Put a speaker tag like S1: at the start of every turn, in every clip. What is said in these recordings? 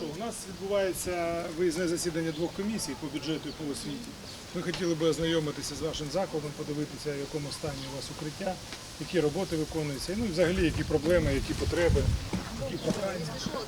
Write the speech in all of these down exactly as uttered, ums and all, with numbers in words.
S1: що, у нас відбувається виїзне засідання двох комісій по бюджету і по освіті. Ми хотіли би ознайомитися з вашим закладом, подивитися, в якому стані у вас укриття, які роботи виконуються, ну і взагалі які проблеми, які потреби, які прохання.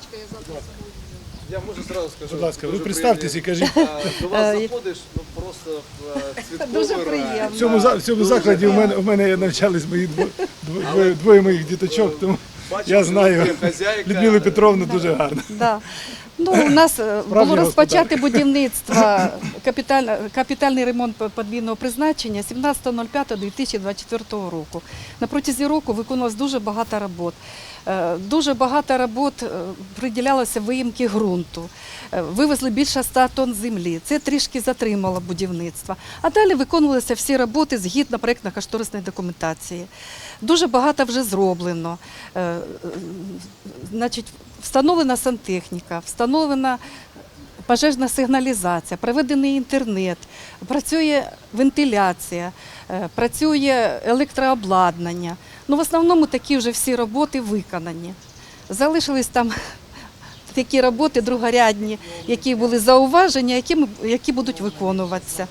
S2: Я можу зразу скажу.
S1: Будь ласка, ви
S2: дуже
S1: представтесь і
S2: приємні.
S1: кажіть.
S2: А, До вас заходиш, ну просто в
S3: Дуже
S2: святковий рай.
S3: приємно.
S1: В цьому, за- в цьому закладі у мене, у мене навчались мої дво- дво- двоє, двоє моїх діточок, тому
S2: Бачу,
S1: я
S2: що
S1: знаю
S2: ви хазяйка.
S1: Людмилу Петровну дуже гарно.
S3: Да. Ну, у нас е, було розпочати будівництво, капіталь, капітальний ремонт подвійного призначення сімнадцятого п'ятого дві тисячі двадцять четвертого року. На протязі року виконувалось дуже багато робот. Е, Дуже багато робот е, приділялося виїмки ґрунту. Е, Вивезли більше ста тонн землі. Це трішки затримало будівництво. А далі виконувалися всі роботи згідно проєктно-кошторисної документації. Дуже багато вже зроблено. Е, е, Значить, встановлена сантехніка, встановлена пожежна сигналізація, проведений інтернет, працює вентиляція, е, працює електрообладнання. Ну, в основному такі вже всі роботи виконані. Залишились там такі роботи другорядні, які були зауваження, які, ми- які будуть виконуватися.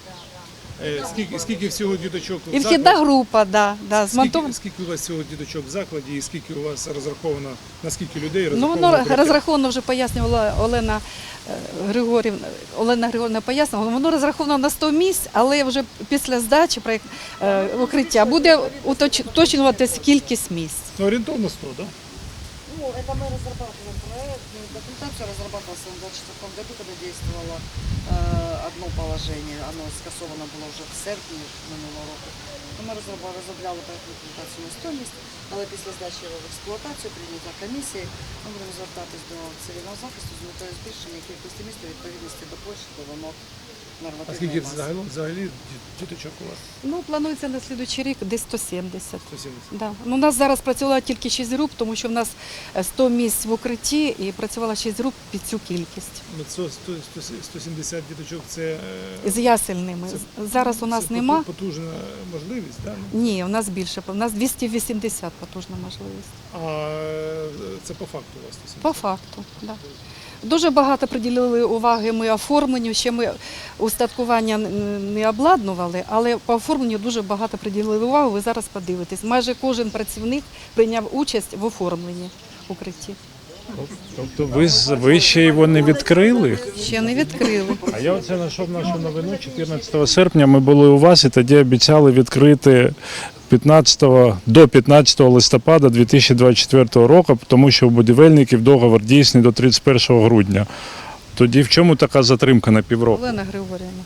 S1: Е, Скільки, скільки всього діточок в
S3: І вхідна
S1: закладі?
S3: група, да, да, змонтована.
S1: Скільки, скільки у вас всього діточок в закладі і скільки у вас розраховано, на скільки людей
S3: Ну,
S1: розраховано?
S3: воно
S1: укриття?
S3: розраховано, вже пояснювала Олена е, Григорівна, Олена Григорівна пояснювала, воно розраховано на сто місць, але вже після здачі проєкт, е, укриття буде уточ- уточнюватися кількість місць.
S1: Ну, орієнтовно сто, так? Да?
S4: Ну, это мы разрабатываем проект, ну, документация разрабатывалась в двадцать четвёртом году, когда действовало э, одно положение, оно скасовано было уже в серпні минулого року. То ми розробляли, розробляли проектну документацію на сто місць, але після здачі його в експлуатацію, прийняття комісії, ми будемо звертатись до цивільного захисту з метою збільшення кількості місць у відповідності до площі, до вимог
S1: А
S4: нормативної
S1: скільки
S4: маси.
S1: взагалі, взагалі діточок у вас?
S3: Ну, планується на слідуючий рік десь сто сімдесят.
S1: сто сімдесят.
S3: Да. Ну, у нас зараз працювало тільки шість груп, тому що в нас е, сто місць в укритті і працювало шість груп під цю кількість.
S1: Ну, сто, сто, сто, сто сімдесят діточок це, е,
S3: З ясельними.
S1: Це-
S3: Зараз у нас
S1: це
S3: нема.
S1: поту- потужна можливість, так?
S3: Ні, у нас більше. У нас двісті вісімдесят потужна можливість.
S1: А е, це по факту у вас сто сімдесят?
S3: По факту, так. Да. Дуже багато приділили уваги ми оформленню, ще ми устаткування не обладнували, але по оформленню дуже багато приділили увагу, ви зараз подивитесь. Майже кожен працівник прийняв участь в оформленні укритті.
S5: Тобто ви, з- ви ще його не відкрили?
S3: Ще не відкрили.
S5: А я оце знайшов нашу новину. чотирнадцятого серпня ми були у вас і тоді обіцяли відкрити п'ятнадцятого, до п'ятнадцятого листопада дві тисячі двадцять четвертого року, тому що у будівельників договор дійсний до тридцять першого грудня. Тоді в чому така затримка на півроку?
S3: Олена Григорівна.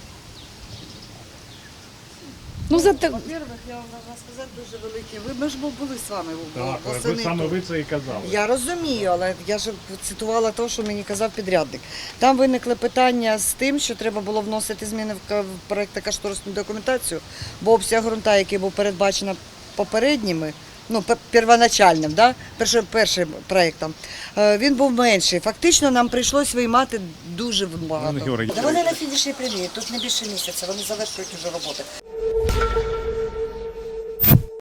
S3: Ну, за те-
S4: Во-первых, я вам можна сказати дуже велике. Ви ми ж були з вами
S5: Так,
S4: восени
S5: ви саме
S4: тут.
S5: ви це і казали.
S4: Я розумію, але я ж цитувала те, що мені казав підрядник. Там виникли питання з тим, що треба було вносити зміни в ка- в проєктно-кошторисну документацію, бо обсяг ґрунта, який був передбачено попередніми, ну, пе- первоначальним, да? першим, першим проєктом, е, він був менший. Фактично нам прийшлось виймати дуже багато.
S5: Георгій.
S4: Та вони на фінішній прямій, тут не більше місяця, вони завершують вже роботи.